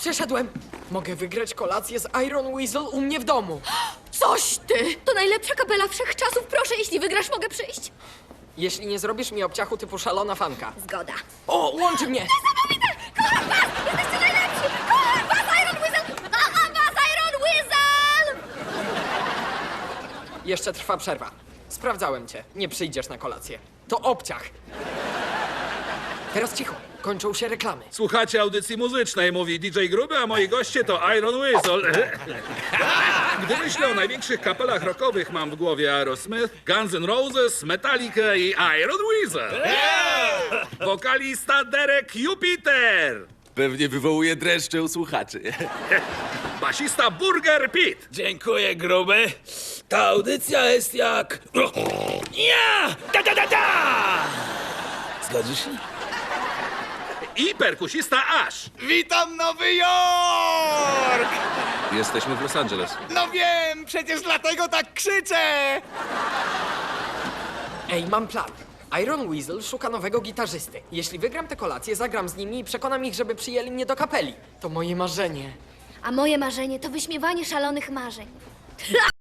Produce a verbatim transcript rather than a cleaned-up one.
Przeszedłem. Mogę wygrać kolację z Iron Weasel u mnie w domu. Coś ty! To najlepsza kapela wszechczasów. Proszę, jeśli wygrasz, mogę przyjść. Jeśli nie zrobisz mi obciachu typu szalona fanka. Zgoda. O, łączy mnie! Niesamowite! Kocham was! Jesteście najlepsi! Kocham was, Iron Weasel! Kocham was, Iron Weasel! Jeszcze trwa przerwa. Sprawdzałem cię. Nie przyjdziesz na kolację. To obciach. Teraz cicho. Kończą się reklamy. Słuchacie audycji muzycznej, mówi D J Gruby, a moi goście to Iron Weasel. Gdy myślę o największych kapelach rockowych, mam w głowie Aerosmith, Guns N' Roses, Metallica i Iron Weasel. Wokalista Derek Jupiter. Pewnie wywołuje dreszcze u słuchaczy. Basista Burger Pit. Dziękuję, gruby. Ta audycja jest jak... Ja! Da, da, da, da! Zgodzisz się? I perkusista Ash. Witam Nowy Jork! Jesteśmy w Los Angeles. No wiem, przecież dlatego tak krzyczę! Ej, mam plan. Iron Weasel szuka nowego gitarzysty. Jeśli wygram tę kolację, zagram z nimi i przekonam ich, żeby przyjęli mnie do kapeli. To moje marzenie. A moje marzenie to wyśmiewanie szalonych marzeń.